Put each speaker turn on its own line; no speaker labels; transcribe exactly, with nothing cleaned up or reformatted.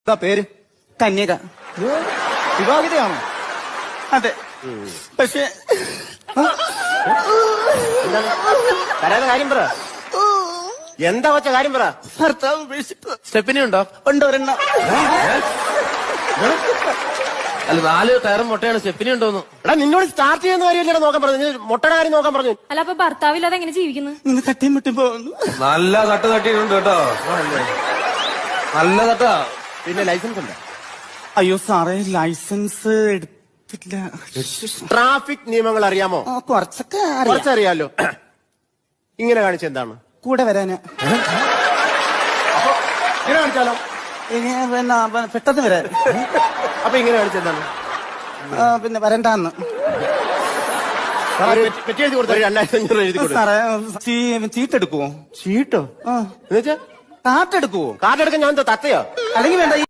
എന്താ പേര്?
കന്യക.
വിവാഹിതയാണോ?
അതെ. പക്ഷെ
കരാതെ കാര്യം പറ. എന്താ വച്ച കാര്യം പറ.
ഭർത്താവ് ഉപേക്ഷിച്ചു.
സ്റ്റെപ്പിനി ഉണ്ടോ?
ഉണ്ട് ഒരെണ്ണം.
അല്ല, നാല് ടയറും മുട്ടയാണ്. സ്റ്റെപ്പിനി ഉണ്ടോന്ന്. എടാ, നിന്നോട് സ്റ്റാർട്ട് ചെയ്യുന്ന കാര്യമല്ലേ നോക്കാൻ പറഞ്ഞു. മുട്ടയുടെ കാര്യം നോക്കാൻ പറഞ്ഞു.
അല്ല, അപ്പൊ ഭർത്താവില്ലാതെ എങ്ങനെ ജീവിക്കുന്നു?
ഇന്ന് തട്ടിയും മുട്ടും പോകുന്നു.
നല്ല തട്ട് തട്ടിയിട്ടുണ്ട് കേട്ടോ. നല്ല തട്ടാ.
പിന്നെ ലൈസൻസ് ഉണ്ട്?
അയ്യോ സാറേ, ലൈസൻസ് എടുത്തില്ല.
ട്രാഫിക് നിയമങ്ങൾ അറിയാമോ?
ആ, കുറച്ചൊക്കെ അറിയാം.
കുറച്ചറിയാലോ. ഇങ്ങനെ കാണിച്ച എന്താണ്?
കൂടെ വരാന്.
ഇങ്ങനെ കാണിച്ചാലോ?
ഇനി പിന്നെ പെട്ടെന്ന് വരാൻ.
അപ്പൊ ഇങ്ങനെ കാണിച്ച എന്താണ്?
ആ, പിന്നെ വരണ്ടാന്ന്.
പെറ്റി എഴുതി കൊടുത്ത രണ്ടായിരത്തി അഞ്ഞൂറ് എഴുതി കൊടുത്തു.
സാറേ, ചീ- ചീട്ടെടുക്കുവോ?
ചീട്ടോ?
ആ,
എന്നുവെച്ചാ
കാട്ടെടുക്കുവോ?
കാർഡ് എടുക്കാൻ ഞാൻ എന്താ തത്തയോ?
അല്ലെങ്കിൽ വേണ്ട.